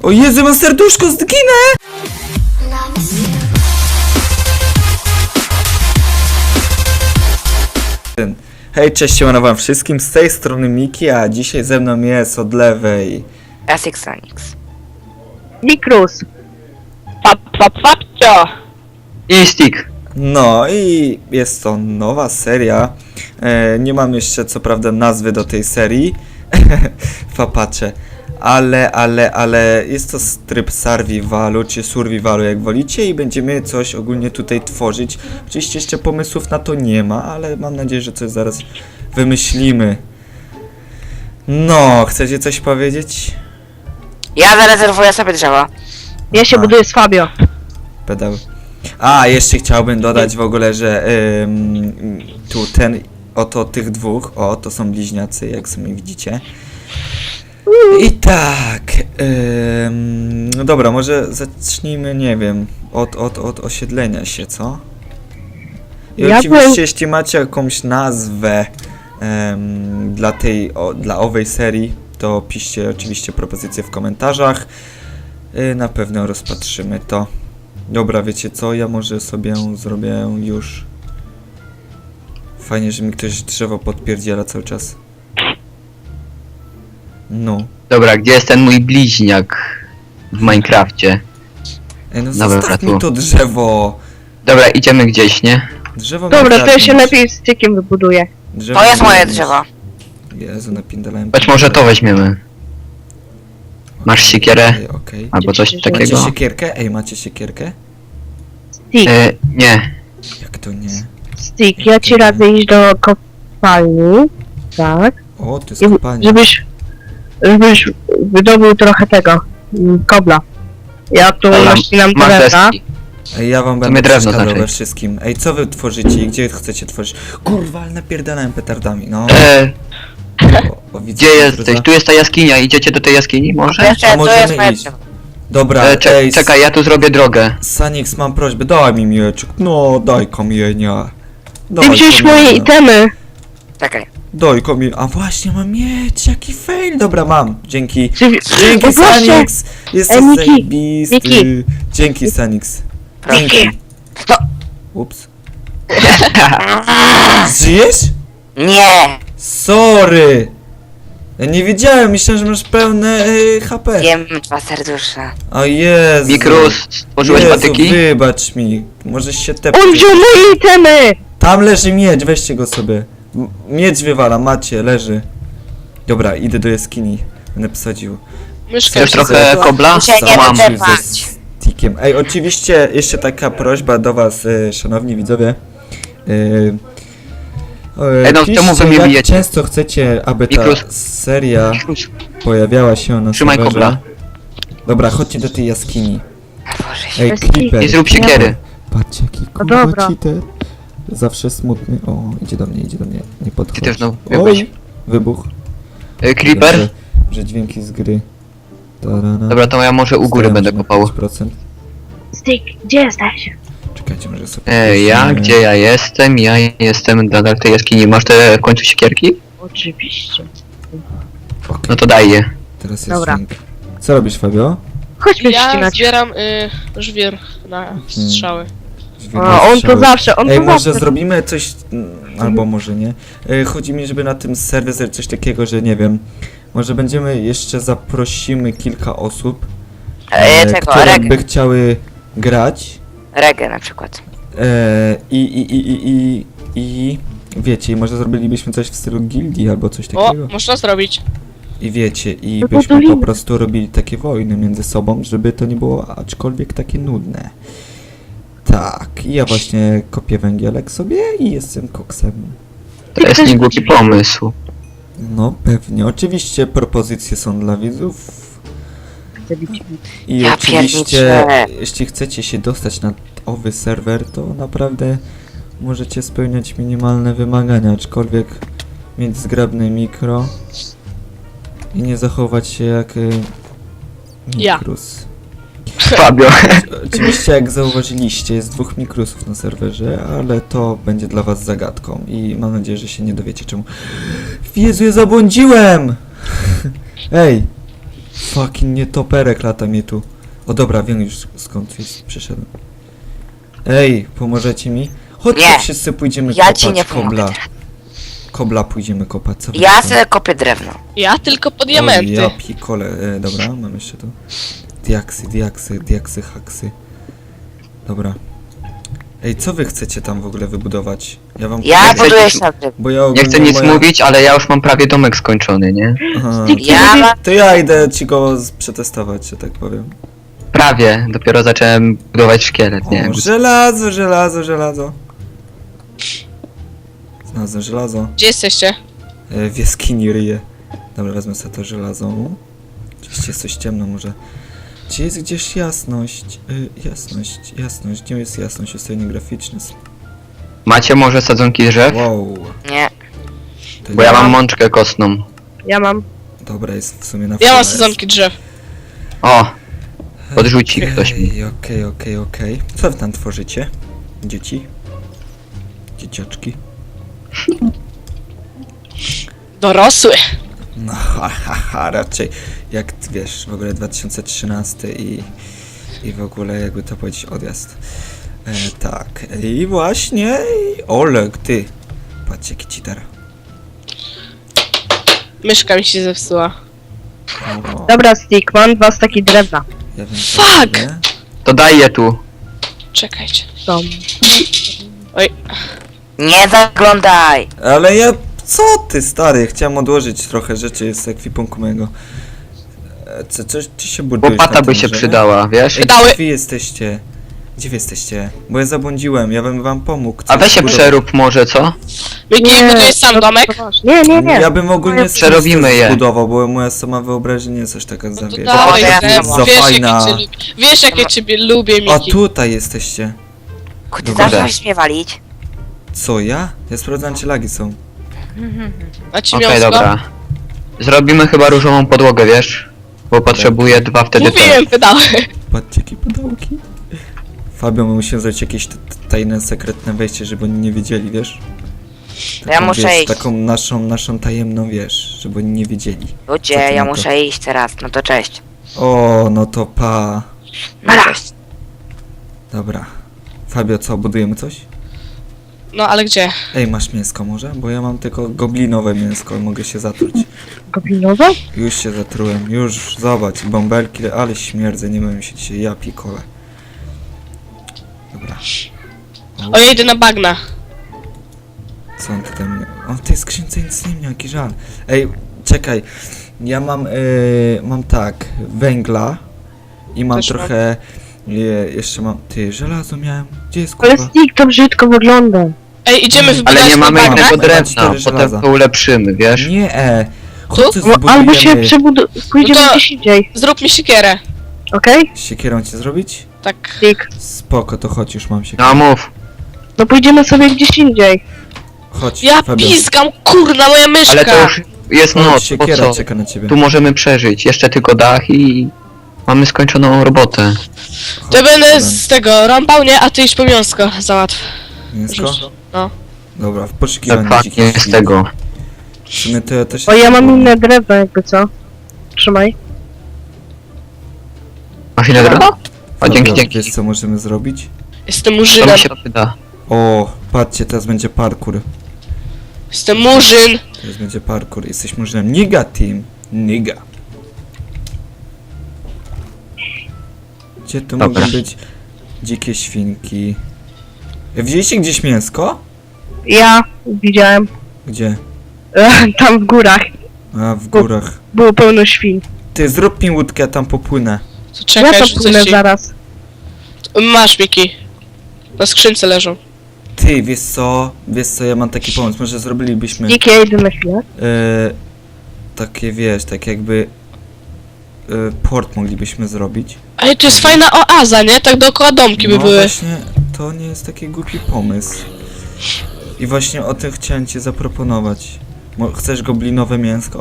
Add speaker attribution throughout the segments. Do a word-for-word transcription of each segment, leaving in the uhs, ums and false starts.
Speaker 1: O Jezu, mam serduszko, zginę! Hej, cześć, siemano wam wszystkim, z tej strony Miki, a dzisiaj ze mną jest od lewej
Speaker 2: Asix Sanix.
Speaker 3: Mikrus. Pap, pap, papcio.
Speaker 4: I stick.
Speaker 1: No i jest to nowa seria. E, nie mam jeszcze co prawda nazwy do tej serii. Fapacze. Ale, ale, ale jest to tryb survivalu, czy survivalu jak wolicie i będziemy coś ogólnie tutaj tworzyć. Oczywiście jeszcze pomysłów na to nie ma, ale mam nadzieję, że coś zaraz wymyślimy. No, chcecie coś powiedzieć?
Speaker 2: Ja zarezerwuję sobie drzewo.
Speaker 3: Ja się
Speaker 1: A.
Speaker 3: buduję z Fabio.
Speaker 1: Pedał. A, jeszcze chciałbym dodać w ogóle, że ym, tu ten, oto tych dwóch, o, to są bliźniacy, jak sami widzicie. I tak, ym, no dobra, może zacznijmy, nie wiem, od, od, od osiedlenia się, co? I
Speaker 3: Ja
Speaker 1: oczywiście,
Speaker 3: bym-
Speaker 1: jeśli macie jakąś nazwę ym, dla tej, o, dla owej serii, to piszcie oczywiście propozycje w komentarzach. Yy, na pewno rozpatrzymy to. Dobra, wiecie co? Ja może sobie zrobię już. Fajnie, że mi ktoś drzewo podpierdziela cały czas. No.
Speaker 4: Dobra, gdzie jest ten mój bliźniak w Minecrafcie?
Speaker 1: Ej, no
Speaker 4: Dobra,
Speaker 1: zostaw
Speaker 4: tu.
Speaker 1: mi to drzewo!
Speaker 4: Dobra, idziemy gdzieś, nie?
Speaker 1: Drzewo
Speaker 3: Dobra,
Speaker 1: miał
Speaker 3: to ja się
Speaker 1: zabić.
Speaker 3: lepiej z stykiem wybuduję.
Speaker 1: Drzewo
Speaker 2: To jest
Speaker 1: miał
Speaker 2: moje
Speaker 1: zabić.
Speaker 2: drzewo.
Speaker 1: Jezu, napindalałem.
Speaker 4: Choć może to weźmiemy. Masz siekierę?
Speaker 1: Okej, okej.
Speaker 4: Albo coś
Speaker 3: Macie
Speaker 1: Macie
Speaker 4: takiego?
Speaker 1: siekierkę? Ej, macie siekierkę?
Speaker 3: Stick,
Speaker 4: E, nie.
Speaker 1: Jak to nie?
Speaker 3: stick, ja ci radzę iść do kopalni. Tak.
Speaker 1: O, to jest
Speaker 3: I,
Speaker 1: kopalnia.
Speaker 3: żebyś, żebyś wydobył trochę tego, mm, kobla. Ja tu
Speaker 4: Dobra,
Speaker 3: naścinam
Speaker 4: masz
Speaker 3: drewna.
Speaker 4: deski.
Speaker 1: Ej, ja wam
Speaker 4: To
Speaker 1: będę
Speaker 4: mnie drewno
Speaker 1: przeszkadzał
Speaker 4: znaczy.
Speaker 1: we wszystkim. Ej, co wy tworzycie i gdzie chcecie tworzyć? Kurwa, ale napierdalałem petardami, no.
Speaker 4: E,
Speaker 1: O, o, widzę,
Speaker 4: gdzie
Speaker 1: że
Speaker 4: jesteś?
Speaker 1: za-
Speaker 4: Tu jest ta jaskinia, idziecie do tej jaskini może?
Speaker 2: Jeszcze, to
Speaker 1: możemy
Speaker 2: jest moje
Speaker 1: iść.
Speaker 2: drzewo.
Speaker 1: Dobra,
Speaker 4: E, cze
Speaker 1: ej,
Speaker 4: czekaj, ja tu zrobię drogę.
Speaker 1: Sanix, mam prośbę, daj mi mieczek. No, daj kamienia.
Speaker 3: Ty
Speaker 1: Daj
Speaker 3: wziąłeś moje
Speaker 1: kamienia.
Speaker 3: itemy.
Speaker 2: Czekaj.
Speaker 1: Daj kamienia. A właśnie, mam mieć, jaki fail. Dobra, mam, dzięki.
Speaker 3: Czy,
Speaker 1: Dzięki,
Speaker 3: o, proszę.
Speaker 1: Sanix. Jesteś
Speaker 3: Ej, Miki,
Speaker 1: zajebisty.
Speaker 3: Miki.
Speaker 1: Dzięki, Sanix.
Speaker 2: Proszę.
Speaker 1: Dzięki.
Speaker 2: No.
Speaker 1: Ups. Żyjesz?
Speaker 2: Nie!
Speaker 1: Sorry. Ja nie wiedziałem, myślałem, że masz pełne y, H P.
Speaker 2: Jem dwa serdusze.
Speaker 1: O Jezu.
Speaker 4: Mikrus, stworzyłeś
Speaker 1: Jezu,
Speaker 4: patyki?
Speaker 1: wybacz mi. Możesz się tepnąć.
Speaker 3: On wziął moje itemy.
Speaker 1: Tam leży miecz, weźcie go sobie. M miecz wywala, macie, leży. Dobra, idę do jaskini. Będę posadził.
Speaker 5: Myszka
Speaker 4: Chcesz
Speaker 5: się
Speaker 4: trochę
Speaker 5: zepsuła.
Speaker 4: kobla?
Speaker 2: Mi się
Speaker 4: To
Speaker 2: nie
Speaker 4: mam.
Speaker 2: wyda-
Speaker 1: Ze stickiem. Ej, oczywiście jeszcze taka prośba do was, e, szanowni widzowie. E, e,
Speaker 4: Ej, no,
Speaker 1: piszcie,
Speaker 4: czemu wy mnie
Speaker 1: jak
Speaker 4: bijecie?
Speaker 1: często chcecie, aby ta
Speaker 4: Mikrus.
Speaker 1: seria
Speaker 4: Mikrus,
Speaker 1: pojawiała się na
Speaker 4: Trzymaj
Speaker 1: serwerze.
Speaker 4: kobla.
Speaker 1: Dobra, chodźcie do tej jaskini.
Speaker 2: A Boże się.
Speaker 1: Ej,
Speaker 3: Bez
Speaker 1: Creeper.
Speaker 4: I zrób siekiery.
Speaker 1: Patrzcie, jaki
Speaker 3: No
Speaker 1: kurwa
Speaker 3: dobra.
Speaker 1: cheater. Zawsze smutny. O, idzie do mnie, idzie do mnie. Nie podchodź.
Speaker 4: Ty też znowu wybuch.
Speaker 1: Oj, wybuch.
Speaker 4: E, Creeper?
Speaker 1: Że, że dźwięki z gry. Tarana.
Speaker 4: Dobra, to ja może u góry
Speaker 1: Staram
Speaker 4: będę
Speaker 1: się na
Speaker 4: kopał.
Speaker 1: pięć procent.
Speaker 3: Stick, gdzie jesteś?
Speaker 1: Czekajcie, może sobie...
Speaker 4: E, ja?
Speaker 1: weźmiemy-
Speaker 4: Gdzie ja jestem? Ja jestem nadal w tej jaskini. Masz te w końcu siekierki?
Speaker 3: Oczywiście.
Speaker 1: Okej,
Speaker 4: No to daj je.
Speaker 1: teraz jest
Speaker 3: Dobra.
Speaker 1: dźwięk. Co robisz, Fabio?
Speaker 3: Chodźmy
Speaker 5: Ja
Speaker 3: ścinać.
Speaker 5: zbieram y, żwir na strzały.
Speaker 3: A, on to zawsze, on
Speaker 1: Ej,
Speaker 3: to
Speaker 1: może
Speaker 3: zawsze.
Speaker 1: zrobimy coś... mm, albo może nie. E, chodzi mi, żeby na tym serwerze coś takiego, że nie wiem... Może będziemy jeszcze zaprosimy kilka osób,
Speaker 2: E,
Speaker 1: e,
Speaker 2: tego,
Speaker 1: które
Speaker 2: reggae.
Speaker 1: by chciały grać.
Speaker 2: Reggae na przykład.
Speaker 1: E, i, i, i, i, i, i wiecie, i może zrobilibyśmy coś w stylu gildii albo coś
Speaker 5: O,
Speaker 1: takiego.
Speaker 5: można zrobić.
Speaker 1: I wiecie, i
Speaker 3: No
Speaker 1: byśmy po
Speaker 3: budujmy.
Speaker 1: prostu robili takie wojny między sobą, żeby to nie było aczkolwiek takie nudne. Tak, i ja właśnie kopię węgielek sobie i jestem koksem.
Speaker 4: To jest niegłupi pomysł.
Speaker 1: No pewnie, oczywiście propozycje są dla widzów. I
Speaker 2: Ja
Speaker 1: oczywiście,
Speaker 2: pierniczę.
Speaker 1: jeśli chcecie się dostać na owy serwer, to naprawdę możecie spełniać minimalne wymagania, aczkolwiek mieć zgrabne mikro i nie zachować się jak y,
Speaker 5: Ja.
Speaker 1: mikrus.
Speaker 4: Fabio.
Speaker 1: Oczywiście, jak zauważyliście, jest dwóch mikrusów na serwerze, ale to będzie dla was zagadką i mam nadzieję, że się nie dowiecie czemu. Jezu, ja zabłądziłem! Ej! fucking nietoperek lata mnie tu. O dobra, wiem już skąd jest, przyszedłem. Ej, pomożecie mi? Chodźcie,
Speaker 2: Nie.
Speaker 1: wszyscy pójdziemy
Speaker 2: Ja
Speaker 1: kopać
Speaker 2: ci nie pomogę
Speaker 1: kobla.
Speaker 2: teraz.
Speaker 1: Kobla pójdziemy kopać, co wy
Speaker 2: Ja
Speaker 1: na to?
Speaker 2: sobie kopię drewno.
Speaker 5: Ja tylko po
Speaker 1: O,
Speaker 5: diamenty.
Speaker 1: ja pikole, e, dobra, mam jeszcze tu. Diaksy, diaksy, diaksy, haksy. Dobra. Ej, co wy chcecie tam w ogóle wybudować? Ja wam
Speaker 2: Ja
Speaker 1: powiem,
Speaker 2: buduję
Speaker 4: chcecie-
Speaker 2: szaty.
Speaker 1: bo ja
Speaker 4: Nie
Speaker 1: ogólnie
Speaker 4: chcę nic
Speaker 1: moja...
Speaker 4: mówić, ale ja już mam prawie domek skończony, nie?
Speaker 1: Aha.
Speaker 2: Ja mam...
Speaker 1: To ja idę ci go z- przetestować, że tak powiem.
Speaker 4: Prawie, dopiero zacząłem budować szkielet, nie?
Speaker 1: O, żelazo, żelazo, żelazo. Znalazłem żelazo.
Speaker 5: Gdzie jesteście?
Speaker 1: E, w jaskini ryje. Dobra, wezmę sobie to żelazo. Oczywiście jest coś ciemno może. Gdzie jest gdzieś jasność? E, jasność, jasność. Gdzie jest jasność? Ustawienie graficzne.
Speaker 4: Macie może sadzonki drzew?
Speaker 1: Wow.
Speaker 2: Nie.
Speaker 1: To
Speaker 4: Bo
Speaker 1: nie-
Speaker 4: ja mam mączkę kostną.
Speaker 3: Ja mam.
Speaker 1: Dobra, jest w sumie na
Speaker 5: Ja
Speaker 1: wsiadle
Speaker 5: mam
Speaker 1: jest.
Speaker 5: sezonki drzew.
Speaker 4: O! Podrzuci ktoś mi.
Speaker 1: Okej, okej, okej, okej. Co wy tam tworzycie? Dzieci? Dzieciaczki?
Speaker 5: Dorosły.
Speaker 1: No, ha, ha, ha, raczej jak ty wiesz, w ogóle dwa tysiące trzynasty i, i w ogóle jakby to powiedzieć odjazd. E, tak, i właśnie, i Oleg, ty. Patrz jaki cheater.
Speaker 5: Myszka mi się zepsuła.
Speaker 1: O,
Speaker 3: Dobra, Stick, mam dwa staki drewna.
Speaker 1: ja wiem, co
Speaker 5: Fuck!
Speaker 1: robię.
Speaker 4: To daj je tu.
Speaker 5: Czekajcie.
Speaker 3: Są.
Speaker 2: Nie zaglądaj!
Speaker 1: Ale ja, co ty stary, chciałem odłożyć trochę rzeczy z ekwipunku mojego. E, co, coś, czy się budujesz
Speaker 4: Łopata
Speaker 1: na
Speaker 4: by
Speaker 1: tym
Speaker 4: się
Speaker 1: drzewie?
Speaker 4: przydała, wiesz?
Speaker 1: Ej,
Speaker 5: Dały.
Speaker 1: gdzie wy jesteście? Gdzie wy jesteście? Bo ja zabłądziłem, ja bym wam pomógł.
Speaker 4: A weź się
Speaker 1: Coś
Speaker 4: przerób może, co?
Speaker 5: Miki, budujesz sam
Speaker 3: to-
Speaker 5: domek?
Speaker 3: to masz. Nie, nie, nie.
Speaker 1: Ja bym ogólnie
Speaker 4: Przerobimy je.
Speaker 1: zbudował, bo moja sama wyobraźnia jest coś taka
Speaker 5: No to
Speaker 1: zawiera.
Speaker 5: dawaj,
Speaker 2: ja
Speaker 5: Zen,
Speaker 2: nie
Speaker 1: za
Speaker 2: mam.
Speaker 5: wiesz,
Speaker 1: fajna.
Speaker 5: jakie cię lubię. Wiesz, jakie ciebie lubię,
Speaker 1: A
Speaker 5: Miki.
Speaker 1: tutaj jesteście.
Speaker 2: Kuty,
Speaker 1: Dobra.
Speaker 2: zacząłeś mnie walić?
Speaker 1: Co ja? Ja sprawdzam czy lagi są.
Speaker 5: A ci
Speaker 4: Okej,
Speaker 5: miąsko?
Speaker 4: dobra. Zrobimy chyba różową podłogę, wiesz? Bo potrzebuję dwa wtedy te.
Speaker 5: Mówiłem, wydały.
Speaker 1: Patrzcie jakie pudełki. Fabio, my musimy zrobić jakieś t- t- tajne, sekretne wejście, żeby oni nie wiedzieli, wiesz?
Speaker 2: Ja muszę
Speaker 1: wiesz,
Speaker 2: iść.
Speaker 1: Taką naszą, naszą tajemną, wiesz, żeby oni nie wiedzieli.
Speaker 2: Ludzie,
Speaker 1: Co ty
Speaker 2: ja
Speaker 1: na to?
Speaker 2: muszę iść teraz. No to cześć.
Speaker 1: O, no to pa.
Speaker 2: No cześć.
Speaker 1: Dobra. Fabio, co, budujemy coś?
Speaker 5: No, ale gdzie?
Speaker 1: Ej, masz mięsko może? Bo ja mam tylko goblinowe mięsko, mogę się zatruć.
Speaker 3: Goblinowe?
Speaker 1: Już się zatrułem, już zobacz, bąbelki, ale śmierdzę, nie wiem się dzisiaj, ja pikole. Dobra.
Speaker 5: O, ja idę na bagna.
Speaker 1: Co on tutaj mnie... O, w tej skrzynce nic nie miał, jaki żal. Ej, czekaj, ja mam, yy, mam tak, węgla i mam
Speaker 5: Też mam.
Speaker 1: trochę, je, jeszcze mam, ty, żelazo miałem, gdzie jest
Speaker 3: Ale
Speaker 1: kurwa?
Speaker 3: Stick, to brzydko wygląda.
Speaker 5: Ej, idziemy
Speaker 1: Ale
Speaker 5: wybudać
Speaker 4: Ale nie
Speaker 5: na
Speaker 4: mamy
Speaker 5: bagna?
Speaker 4: jednego
Speaker 1: Mam
Speaker 4: drewna,
Speaker 1: cztery żelaza.
Speaker 4: potem to ulepszymy, wiesz?
Speaker 1: Nie, e,
Speaker 5: Tu?
Speaker 1: chodź,
Speaker 3: No, albo się
Speaker 1: zbudujemy.
Speaker 3: przebudu... pójdziemy
Speaker 5: No to-
Speaker 3: gdzieś indziej,
Speaker 5: Zrób mi siekierę.
Speaker 3: okej?
Speaker 1: Siekierą ci zrobić?
Speaker 5: Tak.
Speaker 3: Stick.
Speaker 1: Spoko, to chodź, już mam siekierę.
Speaker 4: No mów.
Speaker 3: No pójdziemy sobie gdzieś indziej.
Speaker 1: Chodź,
Speaker 5: Ja
Speaker 1: Fabio.
Speaker 5: pizgam, kurna, moja myszka!
Speaker 4: Ale to już jest
Speaker 1: Chodź,
Speaker 4: noc, po
Speaker 1: siekiera
Speaker 4: co?
Speaker 1: czeka na ciebie.
Speaker 4: Tu możemy przeżyć. Jeszcze tylko dach i... Mamy skończoną robotę.
Speaker 5: To ja będę
Speaker 1: Chodź,
Speaker 5: z tego rąbał, nie? A ty idź po miąsko, załatw.
Speaker 1: mięsko?
Speaker 5: No.
Speaker 1: Dobra, w poszukiwaniu
Speaker 4: Dokładnie
Speaker 1: dzikich
Speaker 4: z
Speaker 1: świn.
Speaker 4: tego.
Speaker 1: W sumie to ja też...
Speaker 3: O, ja mam inne drewno jakby co. Trzymaj.
Speaker 4: Masz ile drewna? O,
Speaker 1: Fabio,
Speaker 4: dzięki, dzięki.
Speaker 1: Wiesz co możemy zrobić?
Speaker 5: Jestem
Speaker 4: To
Speaker 5: murzynem.
Speaker 4: mi się przyda.
Speaker 1: O, patrzcie, teraz będzie parkour.
Speaker 5: Jestem murzyn.
Speaker 1: Teraz będzie parkour. Jesteś murzynem. Niga team. Niga. Gdzie tu
Speaker 4: Dobra.
Speaker 1: mogą być dzikie świnki? Widzieliście gdzieś mięsko?
Speaker 3: Ja widziałem.
Speaker 1: Gdzie?
Speaker 3: Tam w górach
Speaker 1: A, w górach.
Speaker 3: było pełno świn.
Speaker 1: Ty, zrób mi łódkę, ja tam popłynę.
Speaker 5: To
Speaker 3: Ja
Speaker 5: czekaj,
Speaker 3: to
Speaker 5: rzucę
Speaker 3: płynę
Speaker 5: ci.
Speaker 3: zaraz.
Speaker 5: Masz, Miki. Na skrzynce leżą.
Speaker 1: Ty, wiesz co? Wiesz co, ja mam taki pomysł. Może zrobilibyśmy...
Speaker 3: Stick, ja idę na chwilę.
Speaker 1: E, takie wiesz, tak jakby e, port moglibyśmy zrobić.
Speaker 5: Ej, to jest fajna oaza, nie? Tak dookoła domki by
Speaker 1: No
Speaker 5: były.
Speaker 1: właśnie, to nie jest taki głupi pomysł. I właśnie o tym chciałem ci zaproponować. Mo- Chcesz goblinowe mięsko?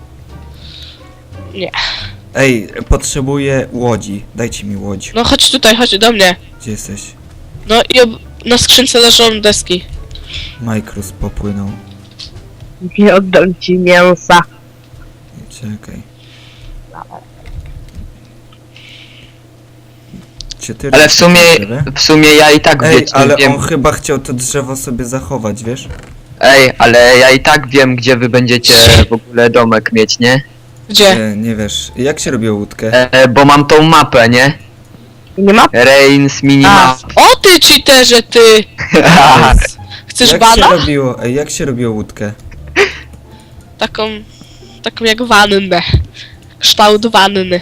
Speaker 5: Nie.
Speaker 1: Ej, potrzebuję łodzi. Dajcie mi łodź.
Speaker 5: No chodź tutaj, chodź do mnie.
Speaker 1: Gdzie jesteś?
Speaker 5: No i ob- na skrzynce leżą deski.
Speaker 1: Micros popłynął.
Speaker 3: Nie oddam ci mięsa.
Speaker 1: Czekaj. Chodźcie, ty.
Speaker 4: Ale w sumie, w sumie ja i tak
Speaker 1: Ej,
Speaker 4: wiecie,
Speaker 1: ale
Speaker 4: wiem.
Speaker 1: on chyba chciał to drzewo sobie zachować, wiesz?
Speaker 4: Ej, ale ja i tak wiem, gdzie wy będziecie w ogóle domek mieć, nie?
Speaker 5: Gdzie?
Speaker 1: E, nie wiesz. Jak się robiło łódkę?
Speaker 4: E, bo mam tą mapę, nie?
Speaker 3: Nie ma?
Speaker 4: Reigns minimap.
Speaker 5: O ty cheaterze, ty! Chcesz
Speaker 1: Jak
Speaker 5: bana?
Speaker 1: się robiło, ej, jak się robiło łódkę?
Speaker 5: Taką... Taką jak wannę. Kształt wanny.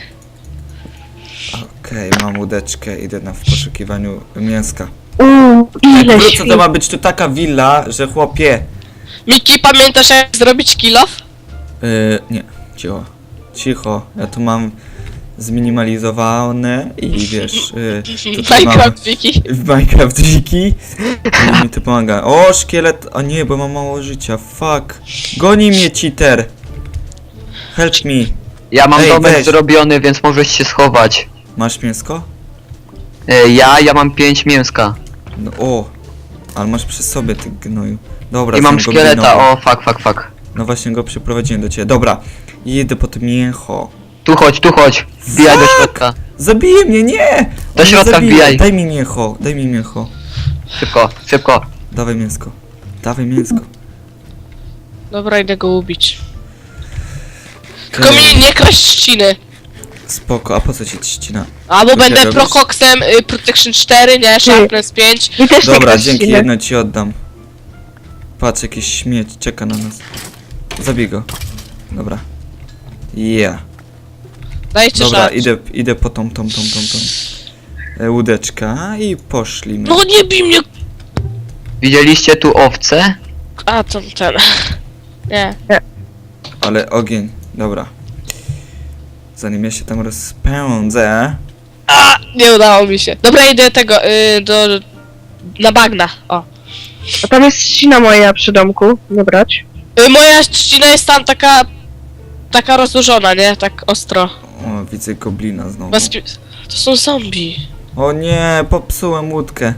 Speaker 1: Okej, mam łódeczkę, idę na w poszukiwaniu mięska.
Speaker 3: Uuu, ile
Speaker 1: Wrócę,
Speaker 3: świn.
Speaker 1: to ma być tu taka willa, że chłopie...
Speaker 5: Miki, pamiętasz jak zrobić kill off?
Speaker 1: Yy, nie, cicho. Cicho, ja tu mam zminimalizowane i wiesz... Yy, tutaj mam
Speaker 5: Minecraft Wiki.
Speaker 1: w Minecraft wiki i mi to pomaga. O, szkielet! O nie, bo mam mało życia, fuck. Goni mnie cheater! Help me.
Speaker 4: Ja mam
Speaker 1: Ej,
Speaker 4: domek
Speaker 1: weź.
Speaker 4: zrobiony, więc możesz się schować.
Speaker 1: Masz mięsko?
Speaker 4: E, ja, ja mam pięć mięska.
Speaker 1: No, o! Ale masz przy sobie, ty gnoju. Dobra,
Speaker 4: I mam
Speaker 1: jestem
Speaker 4: szkieleta,
Speaker 1: goblinowy.
Speaker 4: o fuck, fuck, fuck.
Speaker 1: No właśnie go przyprowadziłem do ciebie. Dobra, jedę po tym mięcho.
Speaker 4: Tu chodź, tu chodź. Wbijaj do środka.
Speaker 1: Zabije mnie, nie!
Speaker 4: Do
Speaker 1: On mnie
Speaker 4: środka
Speaker 1: zabije.
Speaker 4: wbijaj.
Speaker 1: Daj mi mięcho, daj mi mięcho.
Speaker 4: Szybko, szybko.
Speaker 1: Dawaj mięsko. Dawaj mięsko.
Speaker 5: Dobra, idę go ubić. Tylko
Speaker 1: Okej,
Speaker 5: mi nie kraść trzciny.
Speaker 1: spoko, a po co ci trzcina?
Speaker 5: Albo
Speaker 1: Co ty
Speaker 5: będę
Speaker 1: robisz?
Speaker 5: prokoksem, y, Protection cztery, nie? Sharpness pięć.
Speaker 3: Mi też nie
Speaker 1: Dobra,
Speaker 3: kraść
Speaker 1: dzięki,
Speaker 3: świny.
Speaker 1: jedno ci oddam. Patrz, jakiś śmieć czeka na nas. Zabij go. Dobra. Yeah.
Speaker 5: Dajcie
Speaker 1: Dobra,
Speaker 5: żart.
Speaker 1: idę, idę po tą, tą, tą, tą, tą. E, łódeczka i poszli my.
Speaker 5: No nie bij mnie!
Speaker 4: Widzieliście tu owce?
Speaker 5: A, to ten... Nie.
Speaker 1: Ale ogień, dobra. Zanim ja się tam rozpędzę.
Speaker 5: A, nie udało mi się. Dobra, idę tego, y, do... Na bagna, o.
Speaker 3: A tam jest ścina moja przy domku, nie brać.
Speaker 5: Y, moja trzcina jest tam taka... Taka rozłożona, nie? Tak ostro.
Speaker 1: O, widzę goblina znowu.
Speaker 5: Bezpie... To są zombie.
Speaker 1: O nie, popsułem łódkę.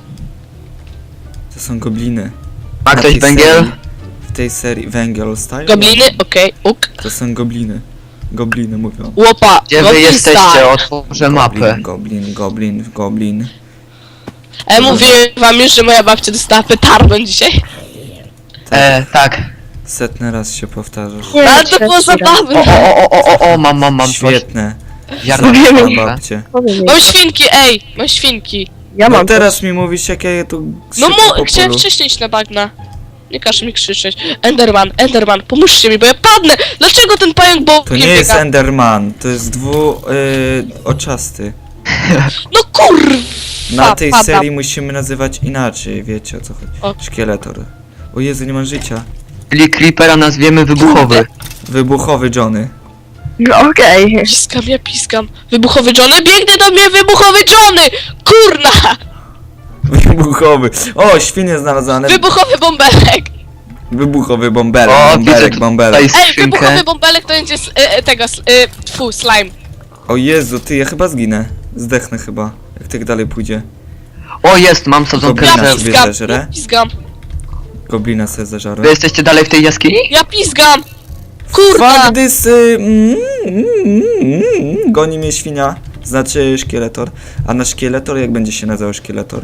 Speaker 1: To są gobliny.
Speaker 4: Ma
Speaker 1: Na
Speaker 4: ktoś
Speaker 1: tej
Speaker 4: węgiel?
Speaker 1: serii- W tej serii węgiel style?
Speaker 5: Gobliny? Okej, uk.
Speaker 1: To są gobliny. Gobliny mówią.
Speaker 5: Łopa.
Speaker 4: Gdzie wy
Speaker 5: goblin
Speaker 4: jesteście?
Speaker 5: style.
Speaker 4: Otworzę mapę.
Speaker 1: Goblin, goblin, goblin.
Speaker 5: E, mówiłem wam już, że moja babcia dostała petardą dzisiaj.
Speaker 4: E, tak.
Speaker 1: Setny raz się powtarzasz.
Speaker 3: Nie,
Speaker 5: Ale to było
Speaker 3: trzeci raz.
Speaker 5: zabawne.
Speaker 4: O, o, o, o, o, o, mam, mam, mam coś.
Speaker 1: Świetne.
Speaker 4: Ziarno
Speaker 3: Mówimy.
Speaker 1: Mam
Speaker 4: babcia.
Speaker 1: babcie.
Speaker 3: Powiem jej.
Speaker 5: Mam świnki, ej! Mam świnki.
Speaker 3: Ja
Speaker 1: No
Speaker 3: mam
Speaker 1: teraz mi mówisz, jak ja je tu
Speaker 5: No
Speaker 1: sypię po
Speaker 5: mu, chciałem
Speaker 1: polu.
Speaker 5: wcześniej iść na bagna. Nie każ mi krzyczeć. Enderman, Enderman, pomóżcie mi, bo ja padnę! Dlaczego ten pająk
Speaker 1: To
Speaker 5: bokiem
Speaker 1: nie jest
Speaker 5: biega?
Speaker 1: Enderman, to jest dwu... Yy, oczasty.
Speaker 5: No kur...
Speaker 1: Na tej
Speaker 5: padam.
Speaker 1: serii musimy nazywać inaczej, wiecie o co chodzi.
Speaker 5: O.
Speaker 1: Szkieletor. O Jezu, nie mam życia.
Speaker 4: Czyli Creepera nazwiemy wybuchowy.
Speaker 1: Wybuchowy Johnny.
Speaker 3: No okej.
Speaker 5: Piskam, ja piskam. Wybuchowy Johnny, biegnie do mnie wybuchowy Johnny! Kurna!
Speaker 1: Wybuchowy. O, świnie znalazłane.
Speaker 5: Wybuchowy bąbelek!
Speaker 1: Wybuchowy bąbelek,
Speaker 4: O,
Speaker 1: bąbelek,
Speaker 4: widzę
Speaker 1: bąbelek.
Speaker 4: tutaj
Speaker 5: Ej, wybuchowy
Speaker 4: skrzynkę.
Speaker 5: bąbelek to będzie s- e, e, tego, s- e, tfu, slime.
Speaker 1: O Jezu, ty, ja chyba zginę. Zdechnę chyba, jak tak dalej pójdzie.
Speaker 4: O, jest, mam sadzonkę
Speaker 1: Goblina
Speaker 5: Ja
Speaker 4: drzew.
Speaker 1: sobie
Speaker 5: piskam,
Speaker 1: zeżrę.
Speaker 5: ja piskam,
Speaker 1: Goblina sobie zażarłem.
Speaker 4: Wy jesteście dalej w tej jaskini?
Speaker 5: ja piskam! Kurna!
Speaker 1: Fuck this, y, mm, mm, mm, mm, goni mnie świnia. Znaczy szkieletor. A na szkieletor jak będzie się nazywał szkieletor?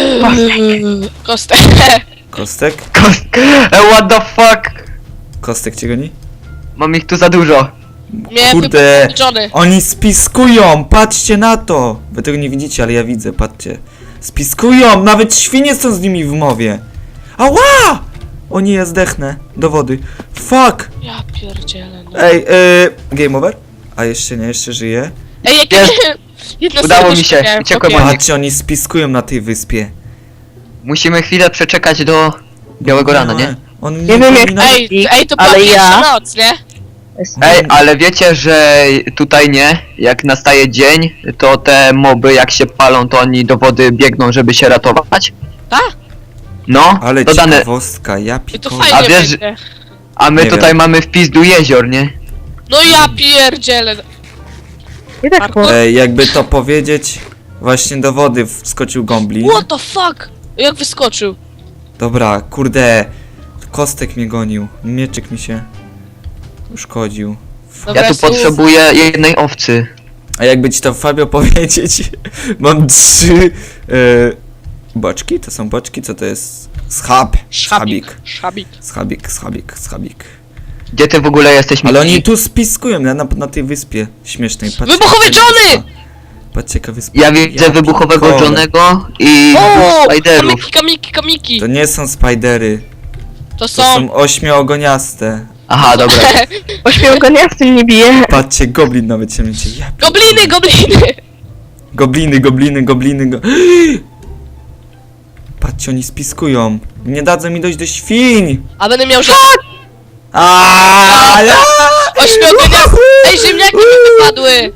Speaker 5: Kostek.
Speaker 1: Kostek?
Speaker 4: E, what the fuck?
Speaker 1: Kostek cię goni?
Speaker 4: Mam ich tu za dużo.
Speaker 5: Mnie
Speaker 1: Kurde.
Speaker 5: wybuchowy Johnny.
Speaker 1: Oni spiskują! Patrzcie na to! Wy tego nie widzicie, ale ja widzę, patrzcie. Spiskują! Nawet świnie są z nimi w mowie! Ała! O nie, ja zdechnę. Do wody. Fuck!
Speaker 5: Ja pierdzielę. No.
Speaker 1: Ej, yy, game over? A jeszcze nie, jeszcze żyje.
Speaker 5: Ej, jak
Speaker 4: Jest.
Speaker 5: jedno
Speaker 4: Udało mi
Speaker 5: serduszko
Speaker 4: się,
Speaker 5: miałem,
Speaker 4: uciekłem
Speaker 5: chłopie.
Speaker 4: od nich.
Speaker 1: Patrzcie, oni spiskują na tej wyspie.
Speaker 4: Musimy chwilę przeczekać do białego rana, nie?
Speaker 1: On
Speaker 3: Nie wiem, jak-
Speaker 1: powinna-
Speaker 5: Ej, ej, to była
Speaker 3: Ale
Speaker 5: pierwsza
Speaker 3: ja-
Speaker 5: noc, nie?
Speaker 4: Ej, ale wiecie, że tutaj nie? Jak nastaje dzień, to te moby jak się palą, to oni do wody biegną, żeby się ratować?
Speaker 5: Tak?
Speaker 4: No,
Speaker 1: Ale
Speaker 4: dodane.
Speaker 1: ciekawostka, ja
Speaker 5: I to
Speaker 1: pikole.
Speaker 5: fajnie
Speaker 4: A wiesz,
Speaker 5: będzie.
Speaker 4: A my
Speaker 1: Nie
Speaker 4: tutaj
Speaker 1: wiem.
Speaker 4: mamy wpis do jezior, nie?
Speaker 5: No ja pierdzielę.
Speaker 3: I tak po...
Speaker 1: Ej, jakby to powiedzieć, właśnie do wody wskoczył goblin.
Speaker 5: What the fuck? Jak wyskoczył?
Speaker 1: Dobra, kurde, kostek mnie gonił, mieczyk mi się uszkodził.
Speaker 5: Dobra,
Speaker 4: Ja tu
Speaker 5: jest-
Speaker 4: potrzebuję jednej owcy.
Speaker 1: A jakby ci to Fabio powiedzieć, mam trzy e, boczki, to są boczki, co to jest? Schab, schabik,
Speaker 5: Szabik.
Speaker 1: schabik, schabik, schabik.
Speaker 4: Gdzie ty w ogóle jesteś, Miki?
Speaker 1: Ale oni tu spiskują na, na, na tej wyspie śmiesznej. Patrzcie,
Speaker 5: Wybuchowy
Speaker 1: jaka
Speaker 5: Johnny!
Speaker 1: wyspa. Patrzcie jaka wyspa.
Speaker 4: Ja widzę
Speaker 1: Ja
Speaker 4: wybuchowego
Speaker 1: pierdolę.
Speaker 4: Johnnego i
Speaker 5: O!
Speaker 4: Spiderów.
Speaker 5: Kamiki, kamiki, kamiki!
Speaker 1: To nie są spidery,
Speaker 5: To
Speaker 1: to
Speaker 5: są...
Speaker 1: są ośmiogoniaste.
Speaker 4: Aha, dobra.
Speaker 3: Ośmiogoniasty nie bije.
Speaker 1: Patrzcie, goblin nawet się mieści. Ja
Speaker 5: Gobliny, gobliny!
Speaker 1: Gobliny, gobliny, gobliny, go... Patrzcie, oni spiskują. Nie dadzą mi dojść do świń!
Speaker 5: A będę miał, że...
Speaker 1: Aaaa!
Speaker 5: Ośmiogoniasty! Ej, ziemniaki mi wypadły!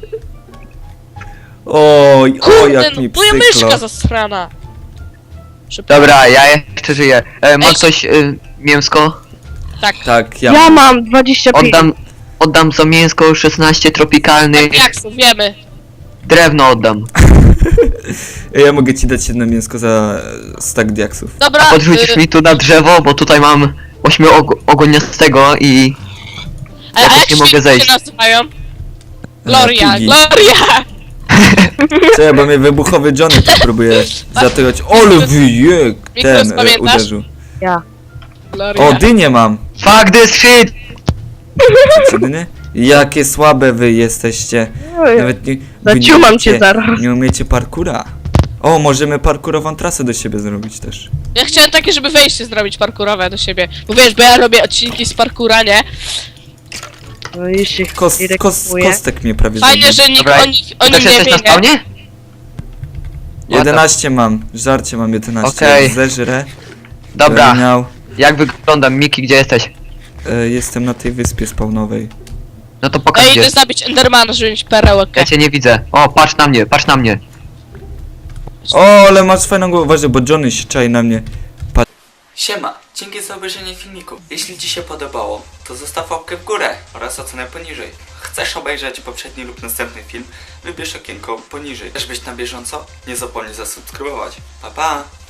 Speaker 1: Oj, oj, jak
Speaker 5: no,
Speaker 1: mi
Speaker 5: moja myszka
Speaker 1: psyklo.
Speaker 5: zasrana! Szybko.
Speaker 4: Dobra, ja jeszcze żyję. E, ma
Speaker 5: Ej.
Speaker 4: ktoś e, mięsko?
Speaker 5: Tak.
Speaker 1: Tak, ja...
Speaker 3: Ja mam dwadzieścia pięć.
Speaker 4: Oddam, oddam za mięsko szesnaście tropikalnych.
Speaker 5: Jak wiemy.
Speaker 4: Drewno oddam.
Speaker 1: Ja mogę ci dać jedno mięsko za stack diaksów.
Speaker 5: Dobra,
Speaker 4: Podrzucisz
Speaker 5: y,
Speaker 4: mi tu na drzewo, bo tutaj mam ośmiogoniastego i
Speaker 5: a, a
Speaker 4: jakoś
Speaker 5: jak
Speaker 4: nie mogę
Speaker 5: świnki
Speaker 4: zejść.
Speaker 5: się nazywają? Gloria,
Speaker 1: Piggy.
Speaker 5: Gloria!
Speaker 1: Czekaj, bo mnie wybuchowy Johnny tu próbuje zatykać. Ole wyjek! Ten
Speaker 5: Mikros,
Speaker 1: e,
Speaker 5: pamiętasz?
Speaker 1: uderzył.
Speaker 3: Ja.
Speaker 5: Gloria.
Speaker 1: O, dynię mam!
Speaker 4: fuck this shit!
Speaker 1: Czy dynie? Jakie słabe wy jesteście. Nawet nie... wy nie
Speaker 3: Zaciumam
Speaker 1: umiecie-
Speaker 3: cię zaraz.
Speaker 1: Nie umiecie parkura. O, możemy parkurową trasę do siebie zrobić też.
Speaker 5: Ja chciałem takie, żeby wejście zrobić parkurowe do siebie. Bo wiesz, bo ja robię odcinki z parkura, nie?
Speaker 3: No i się
Speaker 1: Kos,
Speaker 3: nie
Speaker 1: kos,
Speaker 3: reklamuje.
Speaker 1: kostek mnie prawie
Speaker 5: Fajnie,
Speaker 1: zabił.
Speaker 5: że nikt
Speaker 4: Dobra,
Speaker 5: o nich, o
Speaker 4: Ty
Speaker 5: nim
Speaker 4: też
Speaker 5: nie
Speaker 4: jesteś
Speaker 5: wie,
Speaker 4: na
Speaker 5: nie?
Speaker 4: spawnie?
Speaker 1: jedenaście mam, żarcie mam jedenaście.
Speaker 4: Okej.
Speaker 1: Jak zeżrę.
Speaker 4: Dobra,
Speaker 1: będę Miał,
Speaker 4: jak wyglądam? Miki, gdzie jesteś?
Speaker 1: e, jestem na tej wyspie spawnowej.
Speaker 4: No to
Speaker 5: Ja
Speaker 4: pokaż gdzie.
Speaker 5: idę zabić Endermana, żeby mieć perełkę.
Speaker 4: Ja cię nie widzę. O, patrz na mnie, patrz na mnie.
Speaker 1: O, ale masz fajną głowę, uważaj, bo Johnny się czai na mnie. Pa- Siema, dzięki za obejrzenie filmiku. Jeśli ci się podobało, to zostaw łapkę w górę oraz ocenę poniżej. Chcesz obejrzeć poprzedni lub następny film? Wybierz okienko poniżej. Chcesz być na bieżąco? Nie zapomnij zasubskrybować. Pa pa!